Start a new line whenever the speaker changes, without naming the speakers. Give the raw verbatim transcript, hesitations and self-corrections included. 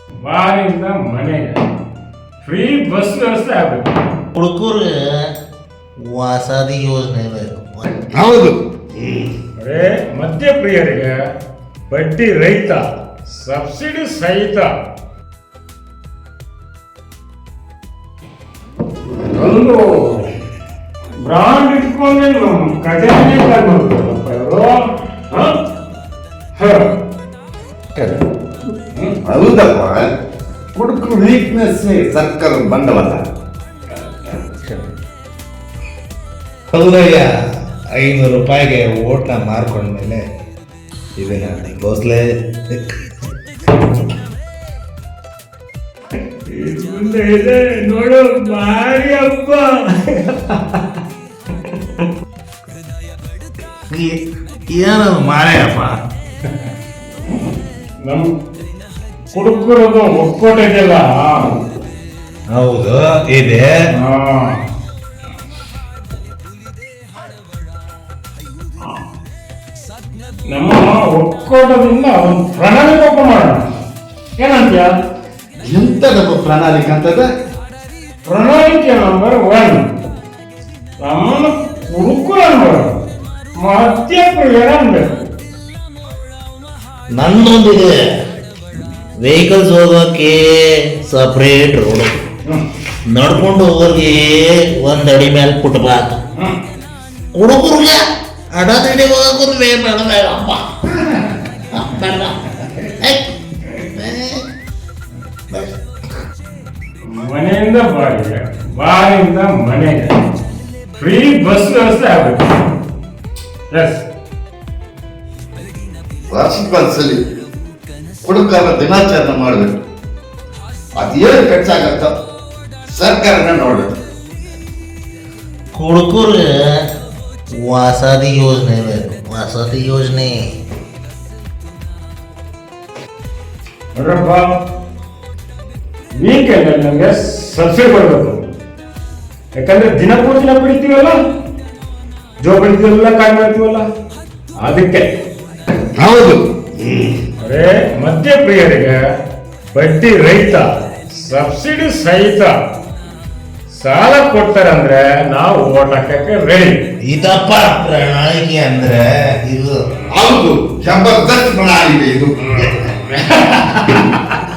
ಬಾರಿಂದ ಮನೆಗೆ free bus ವ್ಯವಸ್ಥೆ ಆಗಬೇಕು.
ಹುಡುಗರು ವಾಸದಿ ಯೋಜನೆ ಬೇಕು.
ಹೌದು.
ಅದೇ ಮದ್ಯಪ್ರಿಯರಿಗೆ ಬಡ್ಡಿ ರಹಿತ ಸಬ್ಸಿಡಿ ಸಹಿತ ಒಂದು ಬ್ರಾಂಡ್ ಇಟ್ಕೊಂಡೆ ನಮ್ಮ ಖಜಾನೆ ತಗೊಂಡ್ರಪ್ಪ ಇವರು.
ಹೌದಪ್ಪ, ಹುಡುಗರು ವೀಕ್ನೆಸ್ ಸರ್ಕಾರದ ಬಂಡವಾಳ.
ಹೌದಯ್ಯ, ಐನೂರು ರೂಪಾಯಿಗೆ ಓಟ್ನ ಮಾರ್ಕೊಂಡ್ಮೇಲೆ ಇದನ್ನ ಗೋಸ್ಲೆ
ಮುಂದೆ ಇದೆ ನೋಡು, ಭಾರಿ ಹಬ್ಬ.
ಏನದು ಮಾರೇಯಪ್ಪ?
ನಮ್ ಕುಡುಕರದು ಒಕ್ಕೋಟ ಇದೆಯಲ್ಲ,
ಹೌದು ಇದೆ.
ನಮ್ಮ ಒಕ್ಕೋಟದಿಂದ ಒಂದು ಪ್ರಣಾಳಿಕೆ ಮಾಡೋಣ, ಏನಂತ್ಯ?
ಎಂತದಪ್ಪ ಪ್ರಣಾಳಿಕೆ ಅಂತದ?
ಪ್ರಣಾಳಿಕೆ ನಂಬರ್ ಒನ್, ನಮ್ಮನ್ನು ಕುಡುಕರು ಅನ್ಬಾರ್ದು, ಮದ್ಯಪ್ರಿಯರ ಅನ್ಬೇಕು.
ನನ್ನೊಂದಿದೆ ವೆಹಿಕಲ್ಸ್ ಹೋಗೋಕೆ ಸಪ್ರೇಟ್ ರೋಡ್, ನಡ್ಕೊಂಡು ಹೋಗೋರಿಗೆ ಒಂದ್ ಅಡಿ ಮೇಲೆ ಫುಟ್ಪಾತ್, ಹುಡುಗರಿಗೆ ಅಡದಡಿ ಹೋಗೋದು ಬೇಡಪ್ಪ.
ಮನೆಯಿಂದ ಬಾಡಿಗೆ, ಬಾರಿಂದ ಮನೆಗೆ ಫ್ರೀ ಬಸ್ ವ್ಯವಸ್ಥೆ ಆಗಬೇಕು. ಎಸ್,
ವಾರ್ಷಿಕ ಒಂದ್ಸಲಿ ಹುಡುಗರ ದಿನಾಚರಣೆ ಮಾಡಬೇಕು. ಅದೇನು ಖರ್ಚಾಗತ್ತ ಸರ್ಕಾರನ ನೋಡ್ಬೇಕು.
ಹುಡುಗರು ವಾಸದಿ ಯೋಜನೆ ಬೇಕು, ವಾಸದಿ ಯೋಜನೆ.
ನೋಡ್ರಪ್ಪ, ವೀಕೆಂಡ್ ನಮಗೆ ಸಬ್ಸಿಡಿ ಕೊಡಬೇಕು. ಯಾಕಂದ್ರೆ ದಿನಪೂರ್ತಿ ನಾವು ಬಿಡ್ತೀವಲ್ಲ, ಜೋ ಬಿಡ್ತೀವಲ್ಲ, ಕಾಯಿ ಮಾಡ್ತೀವಲ್ಲ, ಅದಕ್ಕೆ.
ಹೌದು.
ಅದೇ ಮದ್ಯಪ್ರಿಯರಿಗೆ ಬಡ್ಡಿ ರಹಿತ ಸಬ್ಸಿಡಿ ಸಹಿತ ಸಾಲ ಕೊಡ್ತಾರೆ ಅಂದ್ರೆ ನಾವು ಓಟ್ ಹಾಕಕ್ಕೆ ರೆಡಿ.
ಇದಪ್ಪ ಪ್ರಣಾಳಿಕೆ ಅಂದ್ರೆ ಇದು.
ಹೌದು, ಜಬರ್ದಸ್ತ್ ಪ್ರಣಾಳಿಕೆ ಇದು.